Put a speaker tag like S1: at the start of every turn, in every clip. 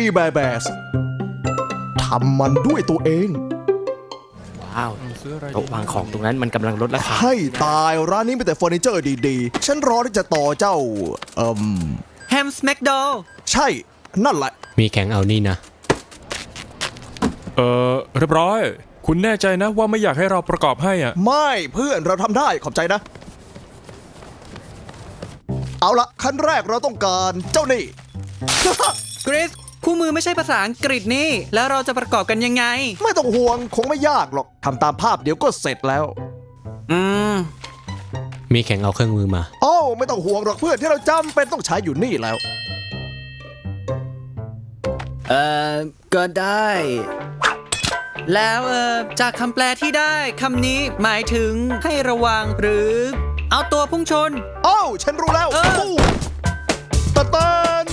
S1: แบร์แบสทำมันด้วยตัวเอง
S2: ว้าวโต๊ะวางของตรงนั้นมันกำลังลดราคา
S1: ให้ตายร้านนี้มีแต่เฟอร์นิเจอร์ดีๆ ฉันรอที่จะต่อเจ้า
S3: แฮมสแมกโด
S1: ใช่ นั่นแหละ
S2: มีแข่งเอานี่นะ
S4: เรียบร้อย คุณแน่ใจนะว่าไม่อยากให้เราประกอบให้อ่ะ
S1: ไม่เพื่อนเราทำได้ขอบใจนะ เอาละขั้นแรกเราต้องการเจ้านี่
S3: กริสคู่มือไม่ใช่ภาษาอังกฤษนี่ แล้วเราจะประกอบกันยังไง
S1: ไม่ต้องห่วงคงไม่ยากหรอกทำตามภาพเดี๋ยวก็เสร็จแล้ว
S3: อืม
S2: มีแข่งเอาเครื่องมือมา
S1: โอ้ไม่ต้องห่วงหรอกเพื่อนที่เราจำเป็นต้องใช้อยู่นี่แล้ว
S3: ก็ได้ แล้วจากคำแปลที่ได้คำนี้หมายถึงให้ระวังหรือ เอาตัวพุ่งชน
S1: โอ้ฉันรู้แล้ว
S3: เออ
S1: ปูตะเตัน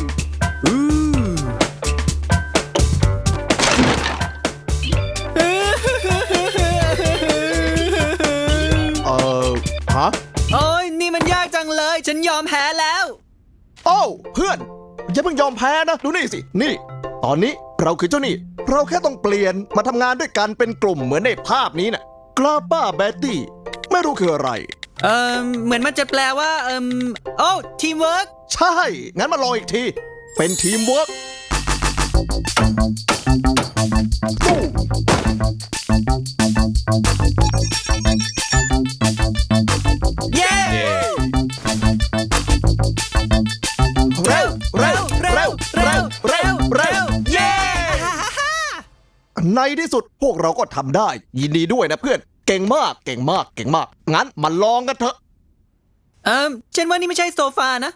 S1: ฮะ
S3: โอ้ยนี่มันยากจังเลย ฉันยอมแพ้แล้ว
S1: โอ้เพื่อนอย่าเพิ่งยอมแพ้นะดูนี่สินี่ ตอนนี้เราคือเจ้านี่เราแค่ต้องเปลี่ยนมาทำงานด้วยกันเป็นกลุ่มเหมือนในภาพนี้น่ะกลาป้าแบตตี้ไม่รู้คืออะไร
S3: เหมือนมันจะแปลว่าโอ้ทีมเวิร์ก
S1: ใช่ งั้นมาลองอีกที เป็นทีมเวิร์ก
S3: เย้
S1: เร็วเร็วเร็วเร็วเร็วเร็ว
S3: เย้
S1: ในที่สุดพวกเราก็ทำได้ ยินดีด้วยนะเพื่อน เก่งมากเก่งมากเก่งมาก งั้นมาลองกันเถอะ
S3: ฉันว่านี่ไม่ใช่โซฟานะ